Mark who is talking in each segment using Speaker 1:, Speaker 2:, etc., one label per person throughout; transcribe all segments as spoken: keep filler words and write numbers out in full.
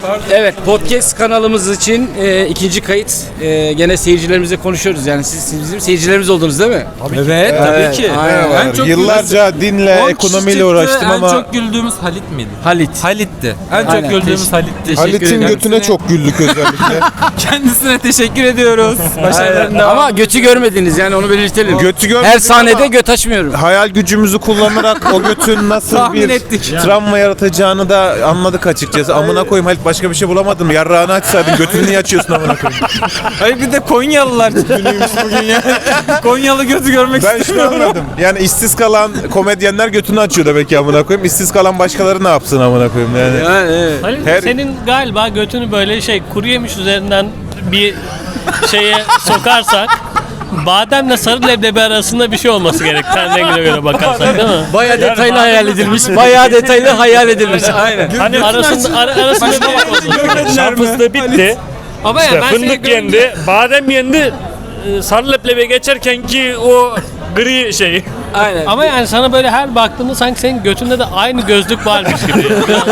Speaker 1: Evet, podcast kanalımız için e, ikinci kayıt. E, gene seyircilerimizle konuşuyoruz. Yani siz, siz bizim seyircilerimiz oldunuz değil mi?
Speaker 2: Evet, tabii ki.
Speaker 1: Aynen.
Speaker 2: En çok
Speaker 3: Yıllarca
Speaker 2: güldüğümüz-
Speaker 3: dinle,
Speaker 2: on kişi
Speaker 3: ekonomiyle
Speaker 2: çıktı,
Speaker 3: uğraştım ama
Speaker 2: En çok güldüğümüz Halit miydi?
Speaker 1: Halit.
Speaker 2: Halit'ti. En
Speaker 1: Aynen.
Speaker 2: çok güldüğümüz
Speaker 1: Teşekkür-
Speaker 2: Halit'ti.
Speaker 1: teşekkür
Speaker 3: Halit'in
Speaker 1: ederim.
Speaker 3: götüne çok güldük özellikle.
Speaker 2: Kendisine teşekkür ediyoruz. Başarılarının devamı.
Speaker 1: Ama götü görmediniz yani onu belirtelim.
Speaker 3: Götü görmedik
Speaker 1: Her sahnede
Speaker 3: ama
Speaker 1: göt açmıyorum.
Speaker 3: hayal gücümüzü kullanarak o götün nasıl
Speaker 2: Tahmin
Speaker 3: bir
Speaker 2: ettik.
Speaker 3: travma yaratacağını da anladık açıkçası. Amına koyayım Halit, başka bir şey bulamadın mı? Yarrağını açsaydın, götünü niye açıyorsun amına koyayım?
Speaker 2: Hayır, bir de Konyalılar günüymüş bugün ya. Konyalı götü görmek
Speaker 3: Ben şunu
Speaker 2: istiyorum.
Speaker 3: anladım. Yani işsiz kalan komedyenler götünü açıyor demek ki amına koyayım. İşsiz kalan başkaları ne yapsın amına koyayım yani.
Speaker 1: Yani, evet.
Speaker 4: Halil,
Speaker 3: Her-
Speaker 4: senin galiba götünü böyle şey kuru yemiş üzerinden bir şeye sokarsak bademle sarı leblebi arasında bir şey olması gerek. Ten rengine göre bakarsak değil mi?
Speaker 1: Bayağı detaylı hayal edilmiş. Bayağı detaylı hayal edilmiş. Aynen.
Speaker 4: Hani arasında ara, arasında bir şey olsun.
Speaker 5: Şarpızda bitti.
Speaker 4: Ama ya
Speaker 5: İşte
Speaker 4: ben seni
Speaker 5: fındık
Speaker 4: görünce-
Speaker 5: yendi, badem yendi. e, Sarı leblebi geçerken ki o gri şey.
Speaker 1: Aynen.
Speaker 4: Ama yani sana böyle her baktığımda sanki senin götünde de aynı gözlük varmış gibi.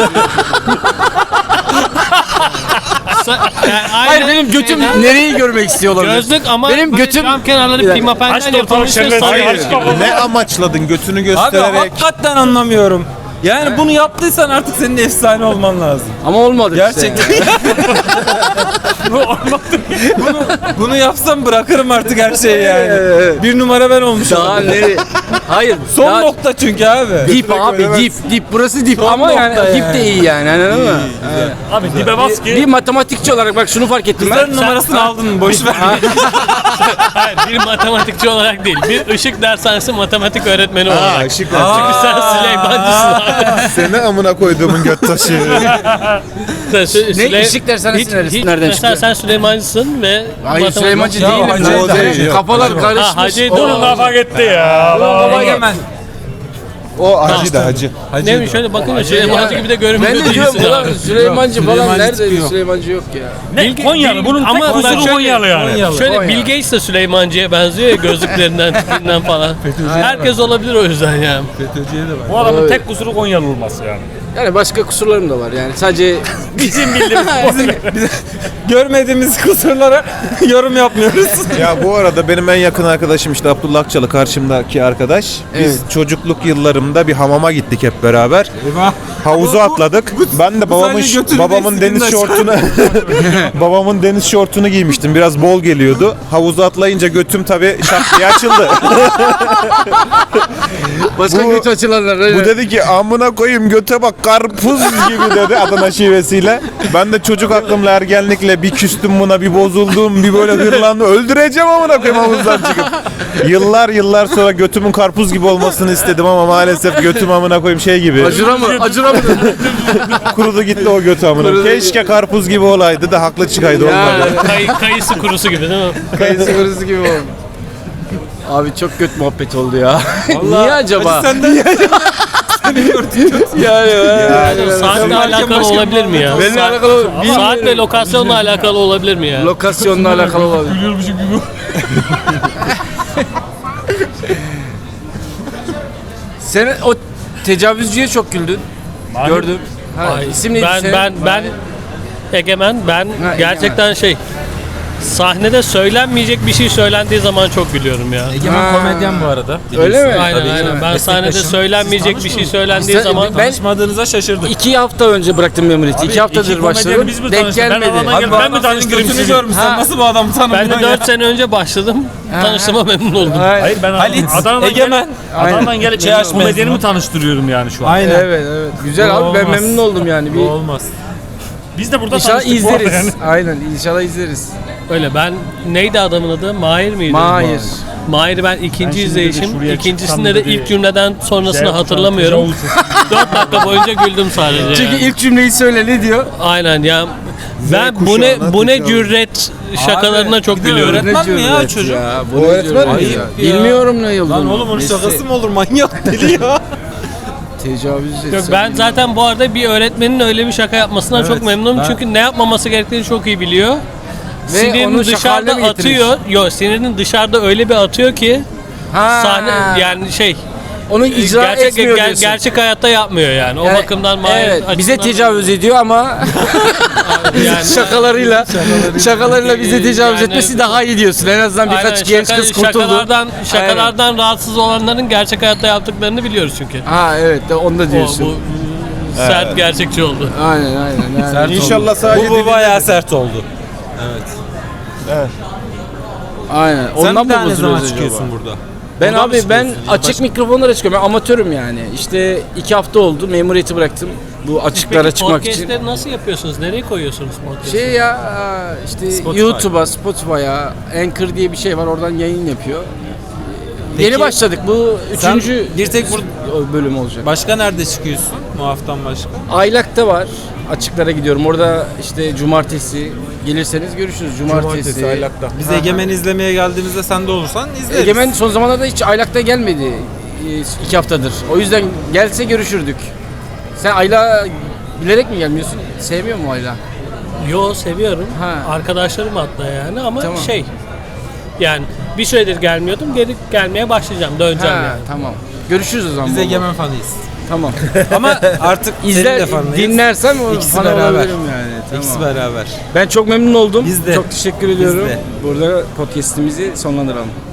Speaker 4: Sa- yani aynı
Speaker 1: Hayır, benim götüm
Speaker 4: şeyden-
Speaker 1: nereyi görmek istiyor olabilir?
Speaker 4: gözlük ama
Speaker 1: benim
Speaker 4: böyle
Speaker 1: götüm
Speaker 4: cam kenarları
Speaker 1: Bir dakika.
Speaker 4: pimapenden
Speaker 5: Aç da ortalık
Speaker 4: yapılmış ve
Speaker 5: şerbet
Speaker 4: sarı
Speaker 5: aç
Speaker 4: gibi.
Speaker 5: bakalım.
Speaker 3: Ne amaçladın götünü
Speaker 2: Abi
Speaker 3: göstererek?
Speaker 2: hakikaten anlamıyorum. Yani bunu yaptıysan artık senin de efsane olman lazım.
Speaker 1: Ama olmadı
Speaker 2: Gerçekten.
Speaker 1: işte.
Speaker 2: Bu olmadı. bunu, bunu yapsam bırakırım artık her şeyi yani. Bir numara ben olmuşum.
Speaker 1: Daha nereye? Hayır.
Speaker 2: Son
Speaker 1: daha-
Speaker 2: nokta çünkü abi.
Speaker 1: Dip abi dip dip burası dip ama yani
Speaker 2: nokta
Speaker 1: dip
Speaker 2: yani.
Speaker 1: de iyi yani anladın mı?
Speaker 5: Abi dibe bas
Speaker 1: Bir
Speaker 5: ki.
Speaker 1: matematikçi olarak bak şunu fark ettim ben.
Speaker 2: Kızların numarasını aldın mı? Boş ver.
Speaker 4: Hayır, bir matematikçi olarak değil. Bir ışık dershanesi matematik öğretmeni
Speaker 3: Aa,
Speaker 4: olarak.
Speaker 3: ışık
Speaker 4: Çünkü sen Süleymancısın abi.
Speaker 3: Seni amına koyduğumun göt taşı.
Speaker 4: Sen Sü-
Speaker 1: Ne,
Speaker 4: Süley-
Speaker 1: ışık dershanesi
Speaker 4: hiç-
Speaker 1: neresi-
Speaker 4: hiç-
Speaker 1: nereden
Speaker 4: mesela
Speaker 1: çıktı?
Speaker 4: sen Süleymancısın ve
Speaker 1: Hayır
Speaker 4: matematik-
Speaker 1: Süleymancı
Speaker 2: Ya,
Speaker 1: değilim.
Speaker 2: hacı
Speaker 1: ben.
Speaker 3: değil, yok.
Speaker 1: Kafalar
Speaker 4: Ha,
Speaker 1: karışmış.
Speaker 4: hacıydı
Speaker 1: O-
Speaker 5: Onun kafa gitti ya.
Speaker 2: Egemen.
Speaker 3: O hacı da hacı.
Speaker 4: Neymiş şöyle bakınca Süleymancı gibi de
Speaker 1: Ben
Speaker 4: görünmüyor
Speaker 1: de diyorum
Speaker 4: değilsin
Speaker 1: ulan
Speaker 4: abi.
Speaker 1: Süleymancı falan
Speaker 2: Süleymancı
Speaker 1: nerede?
Speaker 2: çıkıyor.
Speaker 1: Süleymancı yok ya.
Speaker 5: Ne?
Speaker 4: Bilge-
Speaker 5: Konyalı.
Speaker 4: Bil-
Speaker 5: Bunun
Speaker 4: ama
Speaker 5: tek
Speaker 4: bak
Speaker 5: kusuru
Speaker 4: şöyle-
Speaker 5: Konyalı yani.
Speaker 2: Konyalı.
Speaker 4: Şöyle
Speaker 1: Konya.
Speaker 4: Bill Gates de Süleymancı'ya benziyor ya gözlüklerinden, tipinden falan. Herkes olabilir o yüzden yani.
Speaker 2: FETÖ'cüye de var.
Speaker 5: Bu adamın tek kusuru Konyalı olması yani.
Speaker 1: Yani başka kusurlarım da var yani sadece
Speaker 5: Bizim bildiğimiz
Speaker 2: Görmediğimiz kusurlara yorum yapmıyoruz.
Speaker 3: Ya bu arada benim en yakın arkadaşım işte Abdullah Akçalı, karşımdaki arkadaş. Biz
Speaker 1: Evet.
Speaker 3: çocukluk yıllarımda bir hamama gittik hep beraber.
Speaker 2: Eyvah.
Speaker 3: Havuza
Speaker 2: Bu- bu-
Speaker 3: atladık. Ben de babamın
Speaker 2: sadece götünü
Speaker 3: babamın
Speaker 2: değil,
Speaker 3: deniz
Speaker 2: sikimden
Speaker 3: şortunu babamın deniz şortunu giymiştim. Biraz bol geliyordu. Havuza atlayınca götüm tabii şak diye açıldı.
Speaker 1: başka
Speaker 3: Bu-
Speaker 1: göç açılanlar.
Speaker 3: Bu dedi ki amına koyayım göte bak karpuz gibi dedi Adana şivesiyle. Ben de çocuk aklımla ergenlikle bir küstüm buna, bir bozuldum, bir böyle hırlandım. Öldüreceğim amına koyayım havuzdan çıkıp. Yıllar yıllar sonra götümün karpuz gibi olmasını istedim ama maalesef götüm amına koyayım şey gibi.
Speaker 1: Acıra mı? Acıra mı?
Speaker 3: Kurudu gitti o götü amına.
Speaker 1: Kurudu.
Speaker 3: Keşke karpuz gibi olaydı da haklı çıkaydı olmadı.
Speaker 4: Kay, kayısı kurusu gibi değil mi?
Speaker 1: Kayısı kurusu gibi oldu. Abi çok kötü muhabbet oldu ya. Niye acaba?
Speaker 2: Senden
Speaker 1: yani, yani,
Speaker 4: Saatle alakalı
Speaker 2: başka
Speaker 4: olabilir mi ya?
Speaker 1: Benimle
Speaker 4: Saat-
Speaker 1: alakalı
Speaker 4: Saat ve lokasyonla alakalı olabilir mi ya?
Speaker 1: lokasyonla alakalı olabilir. Sen o tecavüzcüye çok güldün. Gördüm. Ha,
Speaker 4: Ay,
Speaker 1: isim neydi
Speaker 4: ben
Speaker 1: senin?
Speaker 4: ben ben Egemen ben
Speaker 1: Egemen.
Speaker 4: gerçekten şey sahnede söylenmeyecek bir şey söylendiği zaman çok gülüyorum ya.
Speaker 2: Egemen
Speaker 1: Ha.
Speaker 2: komedyen bu arada.
Speaker 1: Öyle mi?
Speaker 4: Aynen
Speaker 2: Tabii
Speaker 4: aynen.
Speaker 2: canım.
Speaker 4: Ben sahnede
Speaker 2: Meslektaşım.
Speaker 4: söylenmeyecek
Speaker 2: Siz
Speaker 4: bir şey
Speaker 2: tanışmadınız
Speaker 4: söylendiği
Speaker 1: Sen-
Speaker 4: zaman
Speaker 1: ben-
Speaker 2: Tanışmadığınıza şaşırdık.
Speaker 1: İki hafta önce bıraktım Memuriyeti. İki haftadır
Speaker 5: iki
Speaker 1: başladım.
Speaker 5: komedyeni biz mi
Speaker 1: Denk
Speaker 5: tanıştık? Ben
Speaker 1: gelmedi.
Speaker 5: adamla
Speaker 2: Abi
Speaker 5: gel-
Speaker 2: bu
Speaker 5: ben
Speaker 2: adam
Speaker 5: mi
Speaker 2: senin
Speaker 5: tanıştırayım
Speaker 2: götünü
Speaker 5: sizi?
Speaker 2: görmüş. Sen
Speaker 1: Ha.
Speaker 2: nasıl bu adamı tanımıyorsun
Speaker 4: ben de
Speaker 2: ya?
Speaker 4: dört sene önce başladım. Tanıştığıma memnun oldum.
Speaker 1: Hayır.
Speaker 5: Hayır ben
Speaker 2: Halit,
Speaker 5: Adana'dan
Speaker 2: Egemen.
Speaker 5: gelip Adana'dan gelip
Speaker 2: Çay açmayız
Speaker 5: komedyenimi
Speaker 2: mı?
Speaker 5: tanıştırıyorum yani şu an.
Speaker 2: Aynen.
Speaker 1: Evet evet. Güzel
Speaker 2: Bu
Speaker 1: abi ben
Speaker 2: olmaz.
Speaker 1: memnun oldum yani.
Speaker 2: Bu
Speaker 1: Bir
Speaker 2: olmaz.
Speaker 5: Biz de burada
Speaker 1: İnşallah
Speaker 5: tanıştık bu arada
Speaker 1: izleriz.
Speaker 5: yani.
Speaker 1: Aynen inşallah izleriz.
Speaker 4: Öyle ben neydi adamın adı? Mahir miydi?
Speaker 1: Mahir.
Speaker 4: Mahir'i ben ikinci
Speaker 5: Ben şimdi de
Speaker 4: izleyişim.
Speaker 5: şuraya
Speaker 4: İkincisinde de
Speaker 5: çıksam
Speaker 4: ilk
Speaker 5: dedi.
Speaker 4: cümleden sonrasını
Speaker 5: Şey,
Speaker 4: hatırlamıyorum.
Speaker 5: tecavüz.
Speaker 4: dört dakika boyunca güldüm sadece.
Speaker 1: Çünkü
Speaker 4: yani.
Speaker 1: ilk cümleyi söyle ne diyor?
Speaker 4: Aynen ya. Ben bu ne bu ne cüret şakalarına çok
Speaker 2: bir de
Speaker 4: gülüyorum.
Speaker 2: öğretmen mi ya
Speaker 1: cüret
Speaker 2: çocuk?
Speaker 1: Ya, bu
Speaker 3: O
Speaker 1: ne
Speaker 3: öğretmen
Speaker 1: cüret
Speaker 3: mi
Speaker 1: ya?
Speaker 2: ya?
Speaker 1: Bilmiyorum ne yıldığını.
Speaker 2: Lan oğlum onun
Speaker 1: Neyse,
Speaker 2: şakası mı olur? Manyak deli ya.
Speaker 1: Tecavüz
Speaker 4: Yok,
Speaker 1: etsem
Speaker 4: ben zaten bu arada bir öğretmenin öyle bir şaka yapmasından
Speaker 2: Evet,
Speaker 4: çok memnunum.
Speaker 2: ben-
Speaker 4: Çünkü ne yapmaması gerektiğini çok iyi biliyor.
Speaker 1: Ve
Speaker 4: Sinirini
Speaker 1: onu şaka haline
Speaker 4: dışarıda
Speaker 1: mi getirir?
Speaker 4: atıyor. Yok sinirini dışarıda öyle bir atıyor ki
Speaker 1: Ha.
Speaker 4: sahne yani şey
Speaker 1: onu icra
Speaker 4: gerçek,
Speaker 1: etmiyor
Speaker 4: ger-
Speaker 1: diyorsun.
Speaker 4: gerçek hayatta yapmıyor yani. O
Speaker 1: Yani,
Speaker 4: bakımdan Mahir
Speaker 1: evet, bize
Speaker 4: açısından-
Speaker 1: tecavüz ediyor ama
Speaker 4: yani,
Speaker 1: şakalarıyla şakalarıyla bize tecavüz
Speaker 4: Yani-
Speaker 1: etmesi daha iyi diyorsun. En azından birkaç
Speaker 4: Aynen,
Speaker 1: genç
Speaker 4: şaka-
Speaker 1: kız kurtuldu.
Speaker 4: Şakalardan, şakalardan rahatsız olanların gerçek hayatta yaptıklarını biliyoruz çünkü.
Speaker 1: Ha evet de onu da
Speaker 4: O,
Speaker 1: diyorsun.
Speaker 4: bu sert gerçekçi oldu.
Speaker 1: Aynen aynen. Yani.
Speaker 2: Sert
Speaker 3: İnşallah
Speaker 2: oldu.
Speaker 3: sadece
Speaker 2: Bu, bu
Speaker 3: dilinde-
Speaker 2: bayağı sert oldu. Evet.
Speaker 1: Aynen.
Speaker 2: Sen
Speaker 1: Ondan
Speaker 2: bir daha
Speaker 1: mı
Speaker 2: ne zaman
Speaker 1: bozuluyoruz
Speaker 2: çıkıyorsun
Speaker 1: acaba?
Speaker 2: burada?
Speaker 1: Ben
Speaker 2: Buradan mı
Speaker 1: abi ben
Speaker 2: çıkıyorsun?
Speaker 1: açık
Speaker 2: Başka-
Speaker 1: mikrofonlara çıkıyorum. Ben amatörüm yani. İşte iki hafta oldu. Memuriyeti bıraktım. Bu açıklara
Speaker 4: Peki
Speaker 1: çıkmak için.
Speaker 4: podcastleri nasıl yapıyorsunuz? Nereye koyuyorsunuz podcast'ı?
Speaker 1: Şey ya işte
Speaker 2: Spotify.
Speaker 1: YouTube'a, Spotify'a, Anchor diye bir şey var. Oradan yayın yapıyor.
Speaker 2: Peki,
Speaker 1: Yeni başladık. Bu
Speaker 2: sen
Speaker 1: üçüncü
Speaker 2: bir tek bur-
Speaker 1: bölüm olacak.
Speaker 2: Başka nerede çıkıyorsun? Muaf'tan başka.
Speaker 1: Aylak'ta var. Açıklara gidiyorum. Orada işte cumartesi gelirseniz görüşürüz. Cumartesi.
Speaker 3: Cumartesi Aylak'ta.
Speaker 2: Biz
Speaker 1: Aha.
Speaker 2: Egemen izlemeye geldiğimizde sen de olursan izleriz.
Speaker 1: Egemen son zamanlarda hiç Aylak'ta gelmedi. Ee, iki haftadır. O yüzden gelse görüşürdük. Sen Ayla bilerek mi gelmiyorsun? Sevmiyor mu Ayla?
Speaker 4: Yo seviyorum.
Speaker 1: Ha.
Speaker 4: Arkadaşlarım hatta yani ama
Speaker 1: Tamam.
Speaker 4: şey yani bir süredir gelmiyordum. Geri gelmeye başlayacağım. Döneceğim
Speaker 1: Ha,
Speaker 4: yani.
Speaker 1: tamam. Görüşürüz o zaman.
Speaker 2: Biz
Speaker 1: baba.
Speaker 2: Egemen fanıyız.
Speaker 1: Tamam.
Speaker 2: Ama artık senin
Speaker 1: İzler,
Speaker 2: de fanıyız.
Speaker 1: dinlersem o
Speaker 2: İkisi
Speaker 1: fan
Speaker 2: beraber.
Speaker 1: olabilirim yani. Tamam.
Speaker 2: İkisi beraber.
Speaker 1: Ben çok memnun oldum.
Speaker 2: Biz de.
Speaker 1: Çok teşekkür
Speaker 2: Biz
Speaker 1: ediyorum.
Speaker 2: de.
Speaker 1: Burada podcast'imizi sonlandıralım.